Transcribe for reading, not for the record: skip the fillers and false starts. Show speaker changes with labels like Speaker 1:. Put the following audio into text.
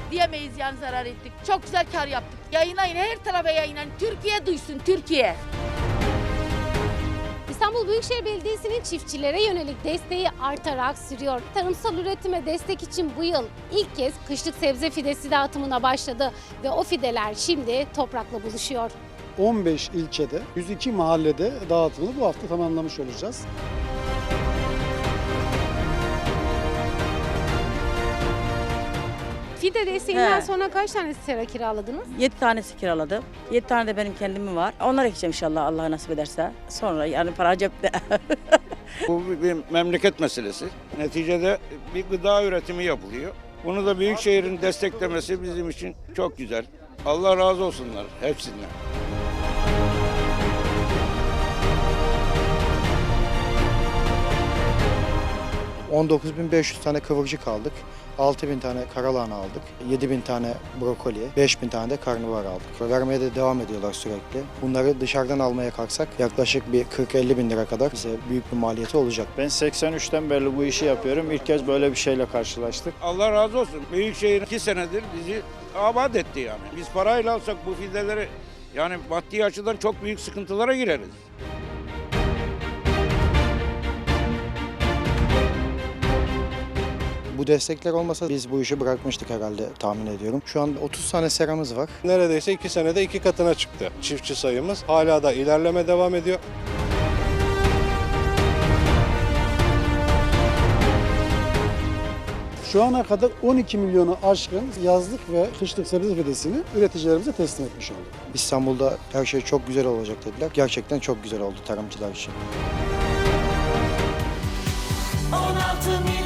Speaker 1: Diyemeyiz yani zarar ettik. Çok güzel kar yaptık. Yayınlayın, her tarafa yayınlayın. Türkiye duysun, Türkiye.
Speaker 2: İstanbul Büyükşehir Belediyesi'nin çiftçilere yönelik desteği artarak sürüyor. Tarımsal üretime destek için bu yıl ilk kez kışlık sebze fidesi dağıtımına başladı ve o fideler şimdi toprakla buluşuyor.
Speaker 3: 15 ilçede, 102 mahallede dağıtımını bu hafta tamamlamış olacağız.
Speaker 2: Fide desteğinden
Speaker 4: He.
Speaker 2: sonra kaç tane sera kiraladınız?
Speaker 4: 7 tanesi kiraladım. 7 tane de benim kendimin var. Onları ekeceğim inşallah Allah nasip ederse. Sonra yani para cepte.
Speaker 5: Bu bir memleket meselesi. Neticede bir gıda üretimi yapılıyor. Bunu da Büyükşehir'in desteklemesi bizim için çok güzel. Allah razı olsunlar hepsinden.
Speaker 6: 19.500 tane kıvırcık aldık. 6.000 tane karalahana aldık. 7.000 tane brokoli, 5.000 tane de karnabahar aldık. Vermeye de devam ediyorlar sürekli. Bunları dışarıdan almaya kalksak yaklaşık bir 40-50 bin lira kadar bize büyük bir maliyeti olacak.
Speaker 7: Ben 83'ten beri bu işi yapıyorum. İlk kez böyle bir şeyle karşılaştık.
Speaker 5: Allah razı olsun. Büyükşehir 2 senedir bizi abat etti yani. Biz parayla alsak bu fideleri yani maddi açıdan çok büyük sıkıntılara gireriz.
Speaker 6: Bu destekler olmasa biz bu işi bırakmıştık herhalde tahmin ediyorum. Şu an 30 tane seramız var.
Speaker 8: Neredeyse 2 senede 2 katına çıktı çiftçi sayımız. Hala da ilerleme devam ediyor.
Speaker 3: Şu ana kadar 12 milyonu aşkın yazlık ve kışlık sebze fidesini üreticilerimize teslim etmiş olduk.
Speaker 6: İstanbul'da her şey çok güzel olacak dediler. Gerçekten çok güzel oldu tarımcılar için.
Speaker 9: 16